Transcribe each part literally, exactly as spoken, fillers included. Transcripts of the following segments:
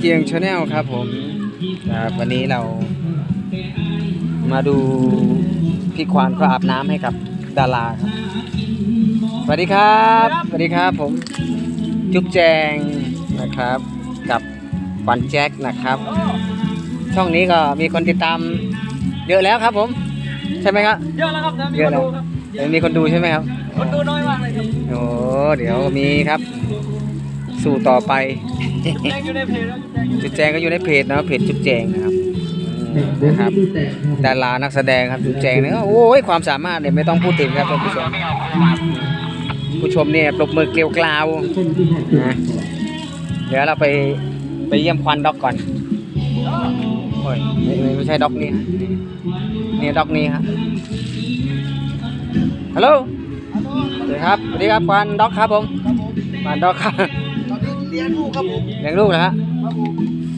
จียงชาแนลครับผมวันนี้เรามาดูพี่ควานก็อาบน้ำให้กับดาราครับสวัสดีครับสวัสดีครับผมจุ๊บแจงนะครับกับควานแจ็คนะครับช่องนี้ก็มีคนติดตามเยอะแล้วครับผมใช่ไหมครับเยอะแล้วครับเยอะแล้วมีคนดูใช่ไหมครับคนดูน้อยมากเลยครับโอ้เดี๋ยวมีครับสู่ต่อไปจุ๊บแจงอยู่ในเพจแล้วจุ๊บแจงก็อยู่ในเพจนะเพจจุ๊บแจงนะครับนะครับดารานักแสดงครับจุ๊บแจงเนี่ยโอ้ยความสามารถเนี่ยไม่ต้องพูดถึงครับท่านผู้ชมผู้ชมเนี่ยปรบมือเกลียวกราวนะเดี๋ยวเราไปไปเยี่ยมควันด็อกก่อนโอ้ยไม่ไม่ใช่ด็อกนี่ฮะนี่ด็อกนี่ฮะฮัลโหลสวัสดีครับสวัสดีครับควันด็อกครับผมควันด็อกครับตอนนี้เลี้ยงลูกครับผมเลี้ยงลูกนะฮะครับผม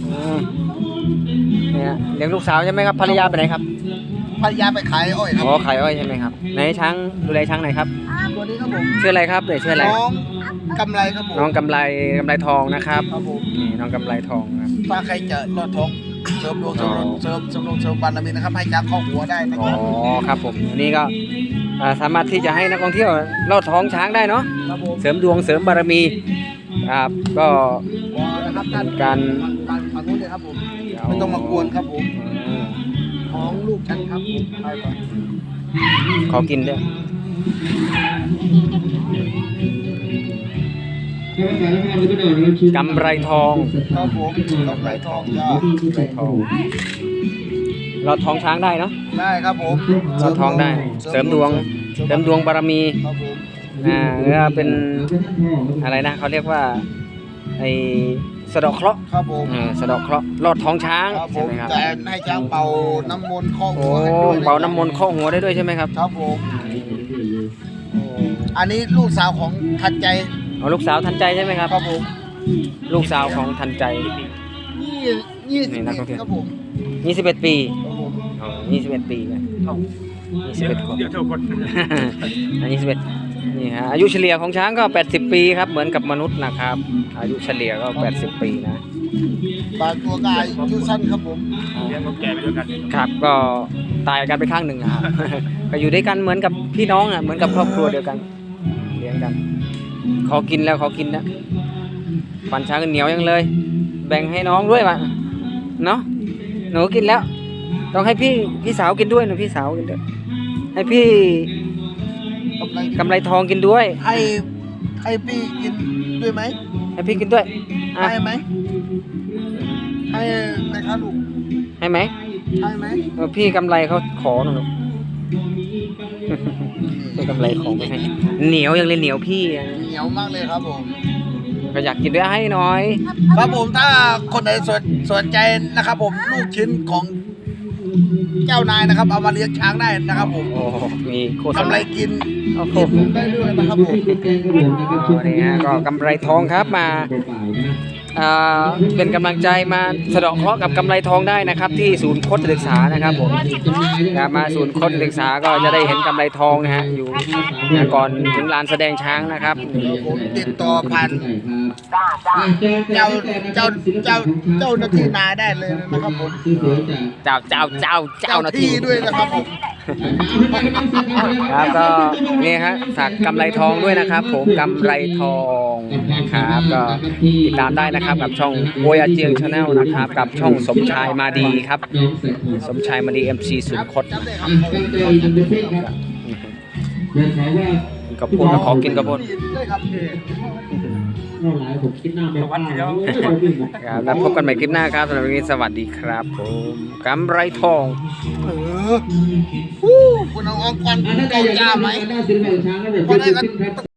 เนี่ยเลี้ยงลูกสาวใช่ไหมครับภรรยาไปไหนครับภรรยาไปขายอ้อยครับอ๋อขายอ้อยใช่ไหมครับไหนช้างดูแลช้างไหนครับตัวนี้ครับผมชื่ออะไรครับเดี๋ยวชื่ออะไรน้องกำไรครับผมน้องกำไรกำไรทองนะครับครับผมนี่น้องกำไรทองครับถ้าใครจะรอดทองเสริมดวงเสริมเสริมเสริมดวงเสริมบารมีนะครับให้จ้างข้อหัวได้นะคอ๋อรับครับผมนี่ก็สามารถที่จะให้นักท่องเที่ยวลอดท้องช้างได้เนาะเสริมดวงเสริมบารมีครับก็การฝั่งนู้นเลยครับผมไม่ต้องมากวนครับผมของลูกฉันครับผมไปก่อนขอกินด้วยกำไรทองครับผมกำไรทองจ้ากำไรทองลอดท้องช้างได้เนาะได้ครับผมลอดท้องได้เสริมดวงเสริมดวงบารมีครับผมอ่าหรือเป็นอะไรนะเขาเรียกว่าไอ้สะดอกเคราะห์ครับผมสะดอกเคราะห์ลอดท้องช้างใช่ไหมครับแต่ให้ช้างเป่าน้ำมนต์ข้อหัวให้ด้วยเป่าน้ำมนต์ข้อหัวได้ด้วยใช่ไหมครับครับผมอันนี้ลูกสาวของทันใจอ๋อลูกสาวทันใจใช่ไหมครับครับผมลูกสาวของทันใจยี่ยี่สิบครับผมยี่สิบเอ็ดปีอ๋อยี่สิบเอ็ดปีเลยยี่สิบเอ็ดคนเดี๋ยวเท่าคนยี่สิบเอ็ดนี่ฮะอายุเฉลี่ยของช้างก็แปดสิบปีครับเหมือนกับมนุษย์นะครับอายุเฉลี่ยก็แปดสิบปีนะบางตัวกายอายุสั้นครับผมเลี้ยงแก่ไปด้วยกันครับก็ตายกันไปข้างหนึ่งครับก็อยู่ด้วยกันเหมือนกับพี่น้องอ่ะเหมือนกับครอบครัวเดียวกันเลี้ยงกันขอกินแล้วขอกินนะฟันช้างเหนียวยังเลยแบ่งให้น้องด้วยวะเนาะหนูกินแล้วต้องให้พี่พี่สาวกินด้วยหนูพี่สาวกินด้วยให้พี่กำไรทองกินด้วยให้ให้พี่กินด้วยไหมให้พี่กินด้วยให้ไหมให้ไหมครับลูกให้ไหมให้ไหมพี่กำไรเขาขอหนูพี่กำไรของไม่ให้เหนียวยังเลยเหนียวพี่เหนียวมากเลยครับผมก็อยากกินด้วยให้น้อยครับผมถ้าคนไหนสนสนใจนะครับผมลูกชิ้นของเจ้านายนะครับเอามาเลี้ยงช้างได้นะครับผมโอ้มีโฆษณากำไรกินได้ด้วยนะครับผมนี่ฮะก็กำไรทองครับมาเป็นกำลังใจมาสะเดาะเคราะห์กับกำไรทองได้นะครับที่ศูนย์โคตรศึกษานะครับผมมาศูนย์โคตรศึกษาก็จะได้เห็นกำไรทองนะฮะอยู่ก่อนถึงลานแสดงช้างนะครับผมติดต่อผ่านเจ้าเจ้าเจ้าเจ้าหน้าที่นาได้เลยนะครับผมเจ้าเจ้าเจ้าเจ้าหน้าที่ด้วยนะครับผมครับก็นี่ฮะฝากกำไรทองด้วยนะครับผมกำไรทองนะครับก็ติดตามได้นะครับกับช่องโวยอาเจียงชาแนลนะครับกับช่องสมชายมาดีครับสมชายมาดี เอ็ม ซี ศูนย์คดกระพุ้นขอกินกระพุ้นครับแล้วพบกันใหม่คลิปหน้าครับสำหรับวันนี้สวัสดีครับผมกำไรทองเออคุณเอาองค์กรเก่าจ้าไหม